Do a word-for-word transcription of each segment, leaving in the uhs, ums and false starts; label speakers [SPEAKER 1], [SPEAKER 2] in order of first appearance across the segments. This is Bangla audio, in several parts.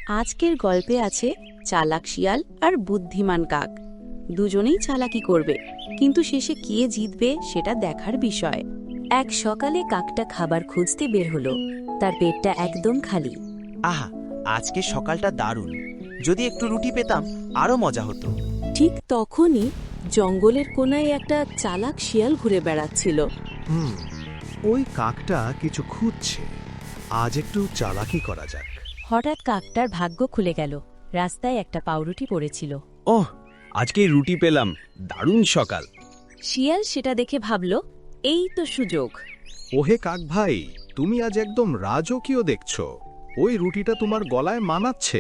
[SPEAKER 1] আজকের গল্পে আছে চালাক শিয়াল আর বুদ্ধিমান কাক। দুজনেই চালাকি করবে, কিন্তু শেষে কে জিতবে সেটা দেখার বিষয়। এক সকালে কাকটা খাবার খুঁজতে বের হলো। তার পেটটা একদম খালি।
[SPEAKER 2] আহা, আজকে সকালটা দারুণ। যদি একটু রুটি পেতাম আরো মজা হতো।
[SPEAKER 1] ঠিক তখনই জঙ্গলের কোনায় একটা চালাক শিয়াল ঘুরে বেড়াচ্ছিল।
[SPEAKER 3] হুম ওই কাকটা কিছু খুঁজছে। আজ একটু চালাকি করা যাক।
[SPEAKER 1] হঠাৎ কাকটার ভাগ্য খুলে গেল। রাস্তায় একটা পাউরুটি পড়েছিল।
[SPEAKER 4] ওহ, আজকে রুটি পেলাম, দারুণ সকাল।
[SPEAKER 1] শিয়াল সেটা দেখে ভাবল, এই তো সুযোগ।
[SPEAKER 3] ওহে কাক ভাই, তুমি আজ একদম রাজকীয় দেখছো। ওই রুটিটা তোমার গলায় মানাচ্ছে।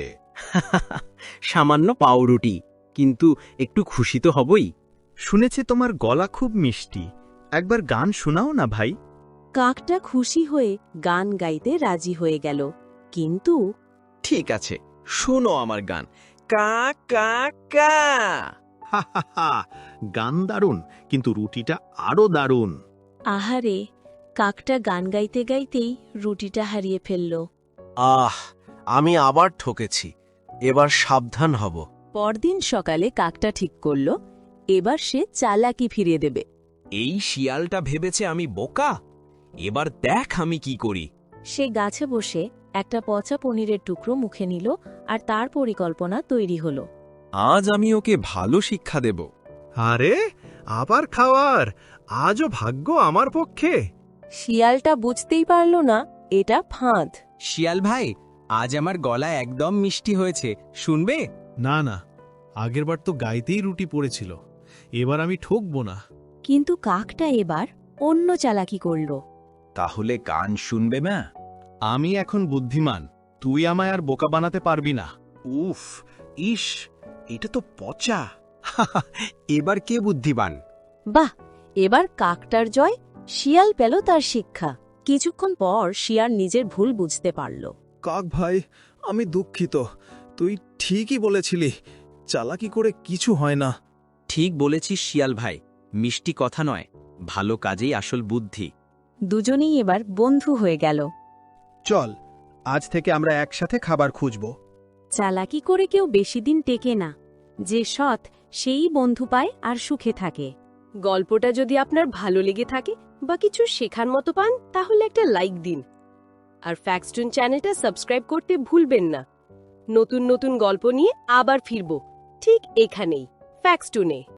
[SPEAKER 4] সামান্য পাউরুটি, কিন্তু একটু খুশি তো হবই।
[SPEAKER 3] শুনেছি তোমার গলা খুব মিষ্টি, একবার গান শোনাও না ভাই।
[SPEAKER 1] কাকটা খুশি হয়ে গান গাইতে রাজি হয়ে গেল, কিন্তু
[SPEAKER 4] ঠিক আছে, শোনো আমার গান। কা কা কা।
[SPEAKER 3] হা হা হা, গান দারুণ, কিন্তু রুটিটা আরো দারুণ।
[SPEAKER 1] আহারে, কাকটা গান গাইতে গাইতেই রুটিটা হারিয়ে ফেলল।
[SPEAKER 2] আহ, আমি আবার ঠকেছি। এবার সাবধান হব।
[SPEAKER 1] পরদিন সকালে কাকটা ঠিক করল, এবার সে চালাকি ফিরিয়ে দেবে।
[SPEAKER 4] এই শিয়ালটা ভেবেছে আমি বোকা, এবার দেখ আমি কি করি।
[SPEAKER 1] সে গাছে বসে একটা পচা পনিরের টুকরো মুখে নিল, আর তার পরিকল্পনা তৈরি হলো।
[SPEAKER 4] আজ আমি ওকে ভালো শিক্ষা দেব।
[SPEAKER 3] আরে, আবার খাওয়ার, আজও ভাগ্য আমার পক্ষে।
[SPEAKER 1] শিয়ালটা বুঝতেই পারল না এটা ফাঁদ।
[SPEAKER 4] শিয়াল ভাই, আজ আমার গলা একদম মিষ্টি হয়েছে, শুনবে?
[SPEAKER 5] না না, আগেরবার তো গাইতেই রুটি পড়েছিল, এবার আমি ঠকবো না।
[SPEAKER 1] কিন্তু কাকটা এবার অন্য চালাকি করল।
[SPEAKER 4] তাহলে গান শুনবে না?
[SPEAKER 3] আমি এখন বুদ্ধিমান, তুই আমায় আর বোকা বানাতে পারবি না।
[SPEAKER 2] উফ, ইস, এটা তো পচা।
[SPEAKER 4] এবার কে বুদ্ধিমান?
[SPEAKER 1] বাহ, এবার কাকটার জয়। শিয়াল পেল তার শিক্ষা। কিছুক্ষণ পর শিয়াল নিজের ভুল বুঝতে পারল।
[SPEAKER 5] কাক ভাই, আমি দুঃখিত। তুই ঠিকই বলেছিলি, চালাকি করে কিছু হয় না।
[SPEAKER 4] ঠিক বলেছিস শিয়াল ভাই, মিষ্টি কথা নয়, ভালো কাজেই আসল বুদ্ধি।
[SPEAKER 1] দুজনেই এবার বন্ধু হয়ে গেল।
[SPEAKER 3] চল, আজ থেকে আমরা একসাথে খাবার খুঁজব।
[SPEAKER 1] চালাকি করে কেউ বেশি দিন টেকে না। যে সৎ, সেই বন্ধু পায় আর সুখে থাকে। গল্পটা যদি আপনার ভালো লেগে থাকে বা কিছু শেখার মতো পান, তাহলে একটা লাইক দিন। আর ফ্যাক্টস্টোন চ্যানেলটা সাবস্ক্রাইব করতে ভুলবেন না। নতুন নতুন গল্প নিয়ে আবার ফিরব, ঠিক এখানেই, ফ্যাক্টস্টোনে।